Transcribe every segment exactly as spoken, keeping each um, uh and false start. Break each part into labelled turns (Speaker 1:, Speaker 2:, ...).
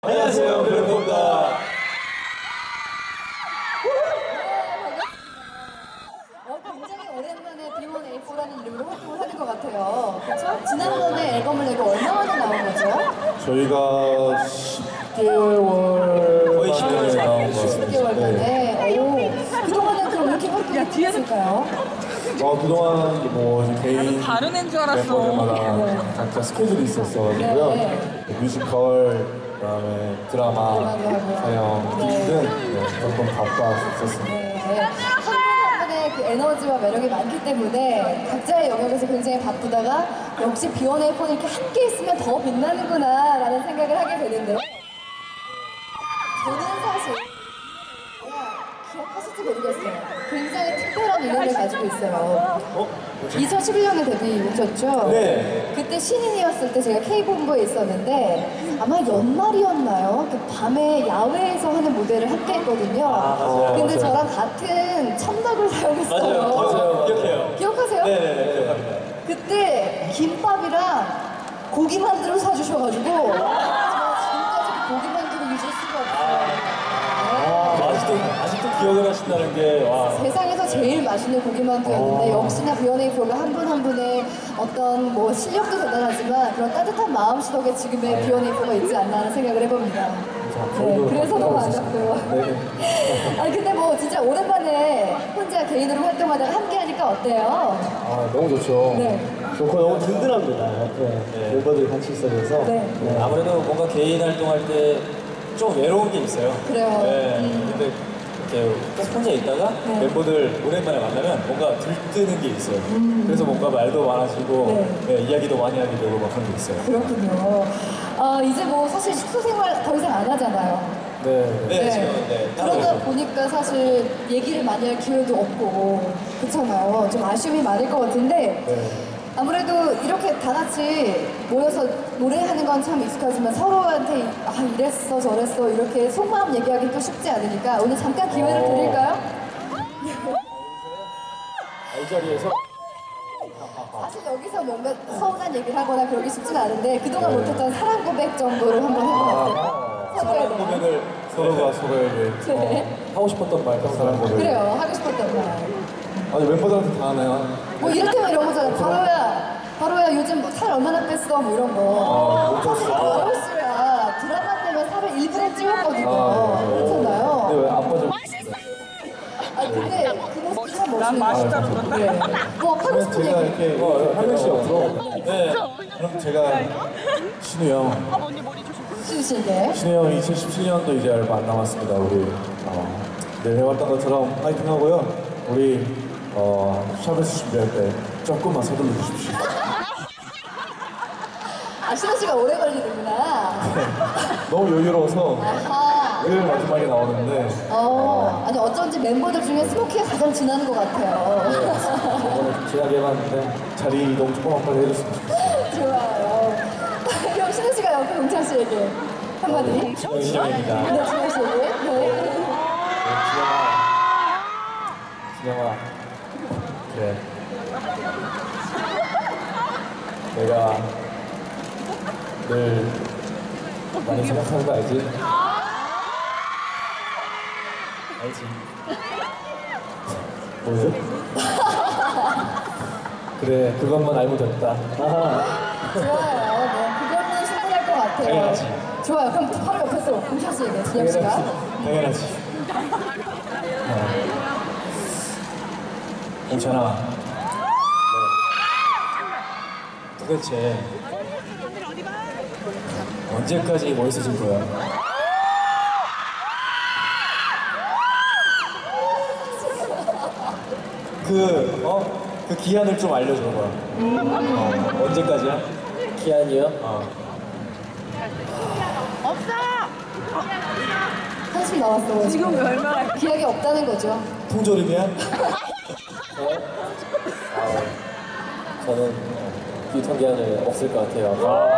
Speaker 1: 안녕하세요, 멤버입니다.
Speaker 2: 굉장히 오랜만에 비원에이포라는 이름으로 활동을 하는 것 같아요. 그렇죠? 지난번에 앨범을 내고 얼마 만에 나온 거죠?
Speaker 1: 저희가 십 개월
Speaker 3: 거의 십 개월
Speaker 1: 나온 것
Speaker 2: 십 개월 만에. 오, 그동안은 그럼 이렇게 활동이 했을까요?
Speaker 1: 어, 그동안 뭐 개인
Speaker 4: 다른 애인 줄 알았어.
Speaker 1: 멤버들마다 각자 스케줄이 있었어가지고요.
Speaker 2: 네.
Speaker 1: 뮤지컬, 그다음에 드라마, 촬영
Speaker 2: 네.
Speaker 1: 등 네, 조금 바빴었습니다.
Speaker 2: 네. 한 분의 그 에너지와 매력이 많기 때문에 각자의 영역에서 굉장히 바쁘다가 역시 비원에이포는 이렇게 함께 있으면 더 빛나는구나 라는 생각을 하게 되는데요. 저는 사실 기억하실지 모르겠어요. 굉장히 특별한 인연을 가지고 있어요.
Speaker 1: 어?
Speaker 2: 이천십일 년에 데뷔하셨죠?
Speaker 1: 네.
Speaker 2: 그때 신인이었을 때 제가 K본부에 있었는데 아마 연말이었나요? 그 밤에 야외에서 하는 무대를 함께 했거든요.
Speaker 3: 아, 맞아요.
Speaker 2: 근데
Speaker 3: 맞아요.
Speaker 2: 저랑 같은 첨덕을 사용했어요.
Speaker 3: 맞아요, 맞아요. 기억해요.
Speaker 2: 기억하세요?
Speaker 3: 네네네, 기억합니다.
Speaker 2: 그때 김밥이랑 고기 만두를 사주셔가지고 제가 지금까지 그 고기 만두를 잊을 수가 없어요.
Speaker 3: 아, 아직도, 아직도 기억을 하신다는 게, 와.
Speaker 2: 세상에서 제일 맛있는 고기만두였는데 역시나 비원에이포가 한 분 한 분의 어떤 뭐 실력도 대단하지만 그런 따뜻한 마음씨 덕에 지금의 비원에이포가 있지 않나 하는 생각을 해봅니다. 네, 그래서 너무 반갑고요. 아니 근데 뭐 진짜 오랜만에 혼자 개인으로 활동하다가 함께 하니까 어때요?
Speaker 1: 아, 너무 좋죠.
Speaker 2: 네.
Speaker 1: 좋고 너무 든든합니다. 네.
Speaker 3: 네.
Speaker 1: 멤버들이 같이 있어서.
Speaker 2: 네.
Speaker 3: 네, 아무래도 뭔가 개인 활동할 때 좀 외로운 게 있어요.
Speaker 2: 그래요.
Speaker 3: 네.
Speaker 2: 음.
Speaker 3: 근데 이렇게 계속 혼자 있다가
Speaker 2: 네.
Speaker 3: 멤버들 오랜만에 만나면 뭔가 들뜨는 게 있어요. 그래서 뭔가 말도 많아지고
Speaker 2: 네.
Speaker 3: 네, 이야기도 많이 하게 되고 막 그런 게 있어요.
Speaker 2: 그렇군요. 아 이제 뭐 사실 숙소 생활 더 이상 안 하잖아요.
Speaker 1: 네.
Speaker 3: 네, 지금 네, 따로
Speaker 2: 그러다
Speaker 3: 있죠.
Speaker 2: 보니까 사실 얘기를 많이 할 기회도 없고 그렇잖아요. 좀 아쉬움이 많을 것 같은데
Speaker 1: 네.
Speaker 2: 아무래도 이렇게 다 같이 모여서 노래하는 건 참 익숙하지만 서로한테 아 이랬어 저랬어 이렇게 속마음 얘기하기 또 쉽지 않으니까 오늘 잠깐 기회를
Speaker 1: 어.
Speaker 2: 드릴까요?
Speaker 3: 이 자리에서
Speaker 2: 사실 여기서 뭔가 서운한 얘기를 하거나 그러기 쉽진 않은데 그동안
Speaker 1: 네.
Speaker 2: 못했던 사랑 고백 정도를 한번 해보면 어때요? 서로에
Speaker 3: 사랑
Speaker 2: 대한.
Speaker 3: 고백을
Speaker 1: 서로가 서로에게
Speaker 2: 네.
Speaker 3: 하고 싶었던 말
Speaker 1: 사랑 고백.
Speaker 2: 그래요. 하고 싶었던 말.
Speaker 1: 아니 멤버들한테 다 하나요?
Speaker 2: 뭐 이렇게만 이런 거잖아. 바로야, 바로야 요즘 뭐 살 얼마나 뺐어 뭐 이런 거. 사실 바로 씨가 드라마 때문에 살을 일부러 찌웠거든요.
Speaker 1: 아, 네.
Speaker 2: 그렇잖아요.
Speaker 1: 근데 왜 안 빠져?
Speaker 2: 아 근데 그 모습이 참 멋있는
Speaker 4: 난 맛있다고
Speaker 2: 것
Speaker 4: 그런다.
Speaker 2: 같아요. 네. 뭐 하고
Speaker 1: 그럼
Speaker 2: 싶은
Speaker 1: 제가
Speaker 2: 얘기.
Speaker 1: 이렇게
Speaker 3: 어,
Speaker 1: 한 명씩 옆으로.
Speaker 3: 네.
Speaker 1: 그럼 제가 신우 형.
Speaker 4: 언니 머리 조심.
Speaker 2: 신우 씨에게.
Speaker 1: 신우 형 이천십칠 년도 이제 얼마 안 남았습니다. 우리 어, 늘 해왔던 것처럼 파이팅하고요. 우리 어, 샵에서 준비할 때 조금만 서둘러 주십시오.
Speaker 2: 아 신우 씨가 오래 걸리는구나.
Speaker 1: 너무 여유로워서
Speaker 2: 아하.
Speaker 1: 늘 마지막에 나오는데
Speaker 2: 어 아니 어쩐지 멤버들 중에 스모키가 가장 진하는 것 같아요.
Speaker 1: 오늘 제약해 봤는데 자리 이동 조금만 빨리 해줬으면 좋겠어요.
Speaker 2: 좋아요. 그럼 신우 씨가 옆에 용찬 씨에게 한마디.
Speaker 3: 신영입니다.
Speaker 2: 네, 신우 씨에게. 네.
Speaker 3: 진영아, 그래. 내가 늘 많이 생각하는 거 알지? 알지?
Speaker 1: 뭐죠?
Speaker 3: 그래, 그것만 알면 됐다.
Speaker 2: 좋아요. 네, 그거는 충분할 것 같아요.
Speaker 3: 당연하지.
Speaker 2: 좋아요. 그럼 바로 옆에서 공찬 씨에게 진영 씨가.
Speaker 3: 당연하지. 괜찮아. 도대체 언제까지 멋있어질 거야? 그, 어? 그 기한을 좀 알려줘봐. 어, 언제까지야? 기한이요? 어.
Speaker 2: 한숨 나왔어.
Speaker 4: 지금 왜 얼마나
Speaker 2: 기억이 없다는 거죠.
Speaker 3: 통조림이야? 아, 저는 유통기한이 없을 것 같아요.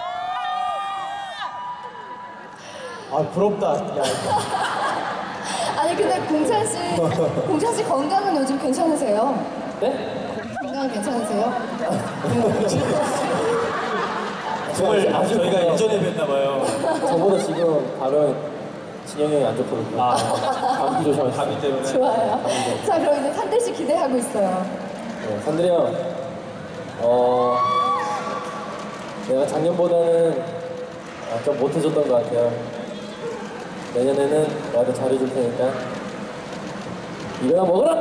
Speaker 3: 아, 부럽다. 야,
Speaker 2: 아니 근데 공찬 씨, 공찬 씨 건강은 요즘 괜찮으세요?
Speaker 3: 네?
Speaker 2: 건강 괜찮으세요?
Speaker 3: 정말 아주 저희가
Speaker 4: 좋네요.
Speaker 3: 예전에 뵀나 봐요.
Speaker 4: 저보다 지금 발은 진영이 형이 안 좋거든요.
Speaker 3: 아,
Speaker 4: 감기 조심하세요.
Speaker 3: 감기 때문에.
Speaker 2: 좋아요. 자, 그럼 이제 산대 씨 기대하고 있어요.
Speaker 4: 네, 산들이 형, 어, 내가 작년보다는 아, 좀 못해줬던 것 같아요. 내년에는 나도 잘해줄 테니까 이거나 먹어라!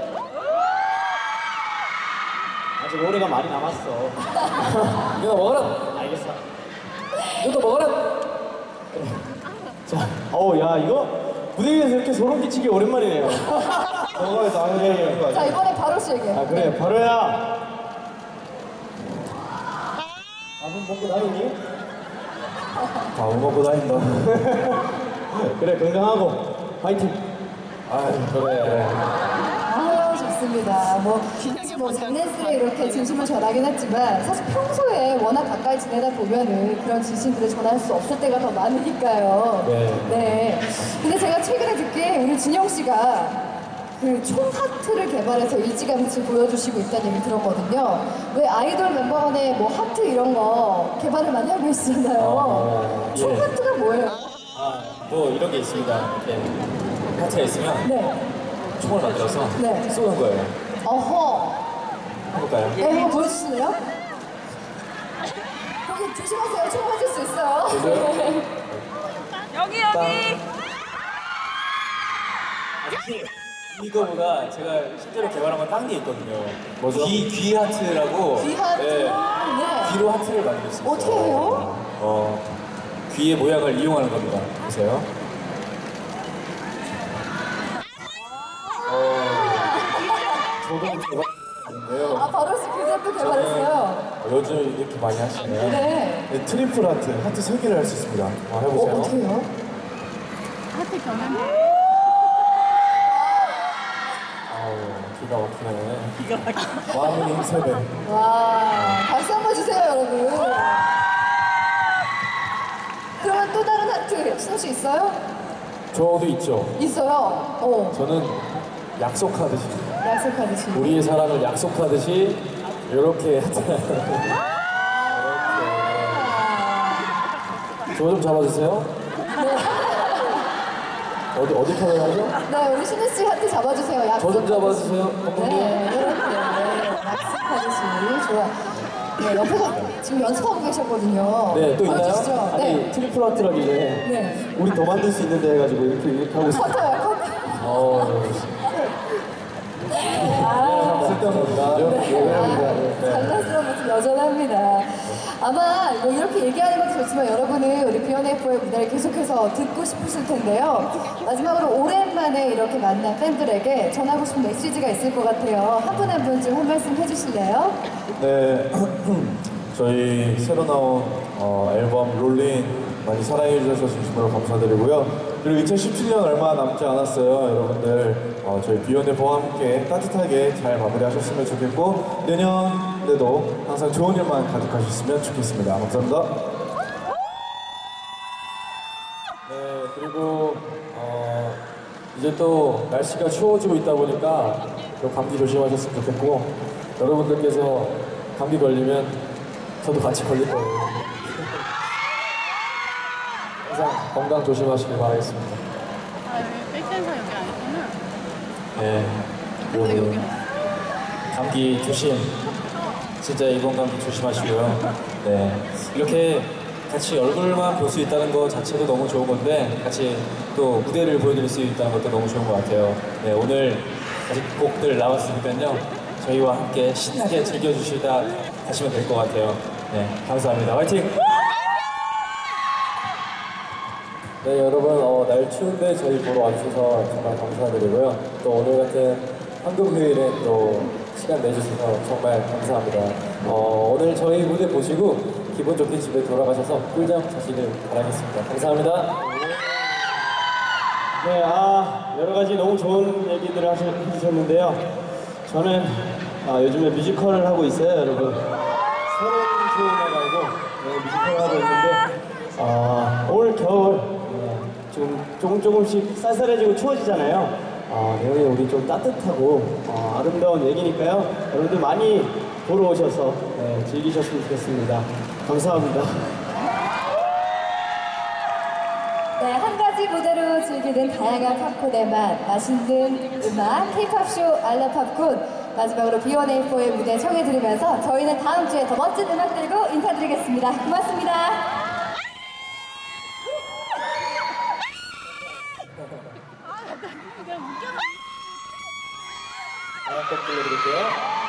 Speaker 3: 아직 올해가 많이 남았어.
Speaker 4: 이거나 먹어라!
Speaker 3: 알겠어.
Speaker 4: 이것도 먹어라!
Speaker 3: 자, 어우 야 이거 무대 위에서 이렇게 소름 끼치기 오랜만이네요.
Speaker 1: 저거에 나는 얘기하는 거
Speaker 2: 자,
Speaker 1: 아니야?
Speaker 2: 이번에 바로 씨에게.
Speaker 3: 아 그래 바로야. 밥은 먹고 다니니?
Speaker 1: 밥 먹고 다닌다.
Speaker 3: 그래 건강하고 파이팅.
Speaker 1: 아 그래.
Speaker 2: 아, 좋습니다. 뭐, 뭐 장난스레 이렇게 진심을 전하긴 했지만 사실 평소에 워낙 가까이 지내다 보면은 그런 진심들을 전할 수 없을 때가 더 많으니까요.
Speaker 3: 네.
Speaker 2: 네. 근데 제가 최근에 듣기에 우리 진영 씨가 그 총 하트를 개발해서 일찌감치 보여주시고 있다는 얘기 들었거든요. 왜 아이돌 멤버 간에 뭐 하트 이런 거 개발을 많이 하고 있잖아요. 총
Speaker 3: 예.
Speaker 2: 하트가 뭐예요?
Speaker 3: 아, 뭐 이런 게 있습니다. 이렇게 하트가 있으면
Speaker 2: 네.
Speaker 3: 총을 만들어서
Speaker 2: 네.
Speaker 3: 쏘는 거예요.
Speaker 2: 어허.
Speaker 3: 해볼까요?
Speaker 2: 네, 한번 보여주실래요? 거기 조심하세요. 총 맞을 수 있어요.
Speaker 5: 여기 여기.
Speaker 3: 이거보다 제가 실제로 개발한 건 딴 게 있거든요. 뭐죠? 귀, 귀 하트라고.
Speaker 2: 귀 하트?
Speaker 3: 네.
Speaker 2: 네.
Speaker 3: 귀로 하트를 만들 수 있어요.
Speaker 2: 어떻게 해요?
Speaker 3: 어, 귀의 모양을 이용하는 겁니다. 보세요. 어, 저도 개발했는데요.
Speaker 2: 아, 바로 씨 그제또 개발했어요.
Speaker 1: 요즘 이렇게 많이 하시네요.
Speaker 2: 네.
Speaker 1: 네, 트리플 하트, 하트 세 개를 할 수 있습니다. 아,
Speaker 2: 어,
Speaker 1: 해보세요.
Speaker 2: 어떻게 해요?
Speaker 5: 하트 변환.
Speaker 1: 아우, 기가 막히네. 기가 막히네. 마음이 힘세네.
Speaker 2: 와, 박수 한번 주세요, 여러분. 그러면 또 다른 하트, 신호 씨 있어요?
Speaker 1: 저도 있죠.
Speaker 2: 있어요. 어,
Speaker 1: 저는 약속하듯이,
Speaker 2: 약속하듯이.
Speaker 1: 우리의 사랑을 약속하듯이 이렇게 하트. 저 좀 잡아주세요. 어디 어디 카메라 하죠?
Speaker 2: 네, 우리 신우 씨 하트 잡아주세요.
Speaker 1: 저
Speaker 2: 약속.
Speaker 1: 좀 잡아주세요. 감독님.
Speaker 2: 네, 이렇게. 네, 약속하듯이. 좋아. 네, 옆에서 지금 연습하고 계셨거든요.
Speaker 3: 네, 또 있나요?
Speaker 2: 보여주시죠.
Speaker 3: 아니,
Speaker 2: 네.
Speaker 3: 트리플 하트라길래
Speaker 2: 네.
Speaker 3: 우리 더 만들 수 있는데 해가지고 이렇게, 이렇게 하고 있어요.
Speaker 2: 커터요, 커터.
Speaker 1: 어,
Speaker 2: 아,
Speaker 1: 쓸데없는 거죠?
Speaker 2: 아, 장난스러운 모습 여전합니다. 아마 뭐 이렇게 얘기하는 것도 좋지만 여러분은 우리 비욘에이포의 무대를 계속해서 듣고 싶으실 텐데요. 마지막으로 오랜만에 이렇게 만난 팬들에게 전하고 싶은 메시지가 있을 것 같아요. 한 분 한 분 좀 한 말씀 해주실래요?
Speaker 1: 네, 저희 새로 나온 어, 앨범 롤린 많이 사랑해 주셔서 진심으로 감사드리고요. 그리고 이천십칠 년 얼마 남지 않았어요. 여러분들 어, 저희 비욘에이포와 함께 따뜻하게 잘 마무리하셨으면 좋겠고 내년에도 항상 좋은 일만 가득하셨으면 좋겠습니다. 감사합니다.
Speaker 4: 네, 그리고 어, 이제 또 날씨가 추워지고 있다 보니까 또 감기 조심하셨으면 좋겠고 여러분들께서 감기 걸리면 저도 같이 걸릴 거예요. 항상 건강 조심하시길 바라겠습니다.
Speaker 5: 아 여기 백댄서 여기 아니구나.
Speaker 3: 네, 여러분 감기 조심. 진짜 이번 감기 조심하시고요. 네, 이렇게 같이 얼굴만 볼 수 있다는 것 자체도 너무 좋은 건데 같이 또 무대를 보여드릴 수 있다는 것도 너무 좋은 것 같아요. 네, 오늘 아직 곡들 나왔으니까요. 저희와 함께 신나게 즐겨주시다 가시면 될 것 같아요. 네, 감사합니다. 화이팅!
Speaker 4: 네, 여러분 어, 날 추운데 저희 보러 와주셔서 정말 감사드리고요. 또 오늘 같은 황금휴일에 또 시간 내주셔서 정말 감사합니다. 어, 오늘 저희 무대 보시고 기분 좋게 집에 돌아가셔서 꿀잠 자시길 바라겠습니다. 감사합니다.
Speaker 6: 네, 아 여러 가지 너무 좋은 얘기들을 하셔- 해주셨는데요. 저는 아, 요즘에 뮤지컬을 하고 있어요, 여러분. 새로운 좋은애라고 네, 뮤지컬을 하고 있는데 아, 올 겨울 네, 좀 조금 조금씩 쌀쌀해지고 추워지잖아요. 아, 내용이 우리 좀 따뜻하고 어, 아름다운 얘기니까요. 여러분들 많이 보러 오셔서 네, 즐기셨으면 좋겠습니다. 감사합니다.
Speaker 2: 네, 한 가지 무대로 즐기는 다양한 팝콘의 맛, 맛있는 음악, K-팝쇼 알라 팝콘. 마지막으로 비원에이포의 무대 청해 들으면서 저희는 다음 주에 더 멋진 음악 들고 인사드리겠습니다. 고맙습니다.
Speaker 3: 다음 곡 들려드릴게요.